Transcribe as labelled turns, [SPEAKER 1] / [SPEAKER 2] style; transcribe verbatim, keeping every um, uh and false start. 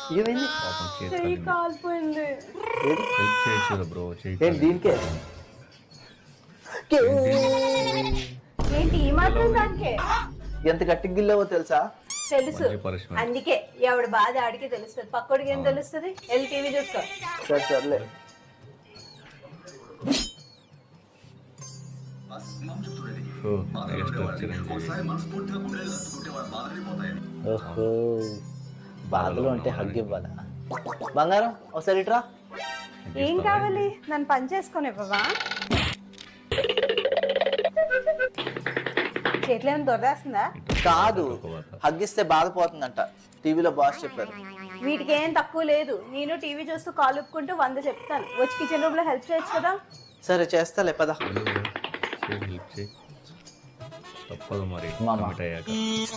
[SPEAKER 1] ఏమైంది?
[SPEAKER 2] పాపం చేతి
[SPEAKER 3] చెయ్యి
[SPEAKER 2] కాలింది.
[SPEAKER 3] కాలిపోయింది.
[SPEAKER 1] ఏది?
[SPEAKER 2] హెల్ప్ చేయొచ్చు కదా బ్రో, చేయి
[SPEAKER 1] ఏంటి
[SPEAKER 2] కాలింది.
[SPEAKER 1] దీనికే?
[SPEAKER 3] ఏంటి ఈ మాత్రం దానికే?
[SPEAKER 1] ఎంత గట్టి గిల్లావో తెలుసా?
[SPEAKER 3] తెలుసు,
[SPEAKER 2] మంచి punishment.
[SPEAKER 3] అందుకే ఎవడు బాధ ఆడికి తెలుస్తుంది, పక్కోడికి ఏం తెలుస్తుంది? వెళ్ళి టీవీ చూసుకో.
[SPEAKER 1] సరే సర్లే.
[SPEAKER 2] ఓ, నెక్స్ట్ చిరంజీవి.
[SPEAKER 1] ఓహో, బాధలు అంటే హగ్ ఇవ్వాలా? బంగారం ఒకసారి ఇట్రా.
[SPEAKER 3] ఏం కావాలి? నన్ను పని చేసుకొని ఇవ్వవా? చేతిలో ఏమైనా దొరదేస్తుందా?
[SPEAKER 1] కాదు, హగ్గిస్తే బాధపోతుందంట, టీవీలో బాస్ చెప్పారు.
[SPEAKER 3] వీటికి ఏం తక్కువ లేదు. నేను టీవీ చూస్తూ కాలు ఉప్పుకుంటూ వంద చెప్తాను. వచ్చి కిచెన్ రూమ్ లో హెల్ప్ చేయొచ్చు కదా.
[SPEAKER 1] సరే చేస్తాలే, పద.
[SPEAKER 2] చేయి హెల్ప్ చేయి, తప్పదు మరి
[SPEAKER 1] మామ.
[SPEAKER 2] కమిట్ అయ్యాక.